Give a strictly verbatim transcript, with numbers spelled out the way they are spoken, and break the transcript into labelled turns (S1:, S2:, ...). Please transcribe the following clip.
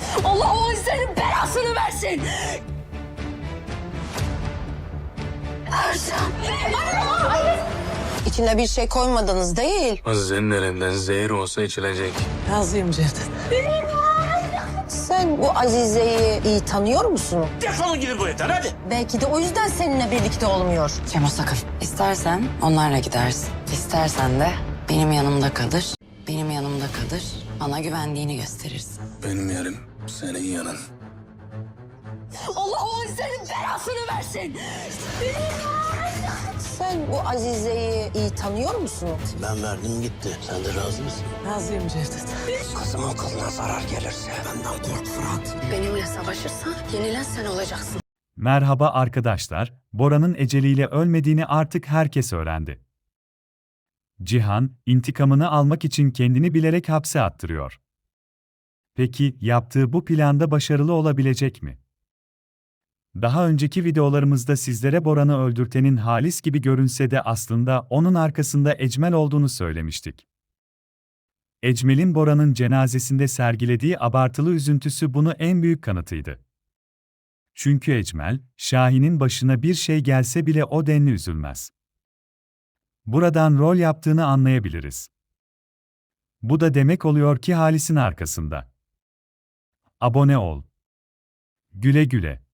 S1: Allah o senin belasını versin. Ersan.
S2: İçine bir şey koymadınız değil.
S3: Azize'nin elinden zehir olsa içilecek.
S4: Razıyım Cevdet.
S2: Sen bu Azize'yi iyi tanıyor musun?
S5: Defolun gidin bu evden hadi.
S2: Belki de o yüzden seninle birlikte olmuyor.
S4: Cemo sakın. İstersen onlarla gidersin. İstersen de benim yanımda kalır. Benim yanımda kalır. Bana güvendiğini gösterirsin.
S3: Benim yerim senin yanın.
S1: Allah o senin belasını versin.
S2: Sen bu Azize'yi iyi tanıyor musun?
S5: Ben verdim gitti. Sen de razı mısın?
S4: Razıyım Cevdet.
S5: Kızımın kılına zarar gelirse benden kork Fırat.
S1: Benimle savaşırsan yenilen sen olacaksın.
S6: Merhaba arkadaşlar, Bora'nın eceliyle ölmediğini artık herkes öğrendi. Cihan, intikamını almak için kendini bilerek hapse attırıyor. Peki, yaptığı bu planda başarılı olabilecek mi? Daha önceki videolarımızda sizlere Boran'ı öldürtenin Halis gibi görünse de aslında onun arkasında Ecmel olduğunu söylemiştik. Ecmel'in Bora'nın cenazesinde sergilediği abartılı üzüntüsü bunu en büyük kanıtıydı. Çünkü Ecmel, Şahin'in başına bir şey gelse bile o denli üzülmez. Buradan rol yaptığını anlayabiliriz. Bu da demek oluyor ki Halis'in arkasında. Abone ol. Güle güle.